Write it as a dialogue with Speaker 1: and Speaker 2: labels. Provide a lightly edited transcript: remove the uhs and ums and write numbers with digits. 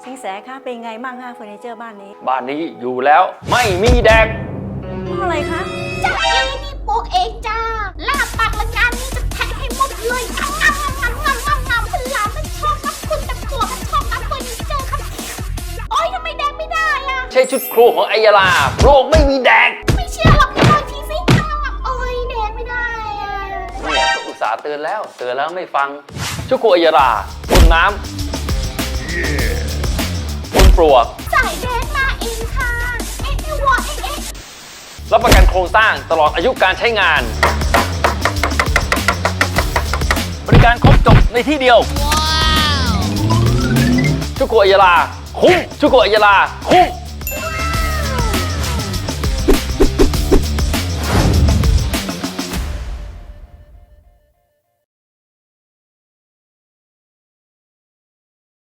Speaker 1: สินแสคะเป็นไงบ้างคะเฟอร์นิเจอร์บ้านนี้
Speaker 2: บ้านนี้อยู่แล้วไม่มีแดก
Speaker 1: เพราะอะไรคะ
Speaker 3: จ้าเองนี่ปลูกเองจ้าลาบปากละงานนี้จะแทะให้หมดเลยงำคุณหลานมันชอบนับคุณแต่ผัวมันชอบนับเฟอร์นิเจอร์ครับโอ๊ยทำไมแดงไม่ได้อะ
Speaker 2: ใช่ชุดครูของไอยาลาโรคไม่มีแดก
Speaker 3: ไม่เชื่อหรอกพี่ลองทีสิโอ๊ยแดงไม่ได้อะ
Speaker 2: เนี่ยก็อุตส่าห์เตือนแล้วไม่ฟังชุดครูไอยาลาบนน้ำบนปลวก
Speaker 3: สายแดงมาเองค่ะเอ๊ะวัวเอ๊ะ
Speaker 2: รับประกันโครงสร้างตลอดอายุการใช้งานบริการครบจบในที่เดียวชุกโกะอัยยาลาคุ้มชุกโกะอัยยาลาคุ้ม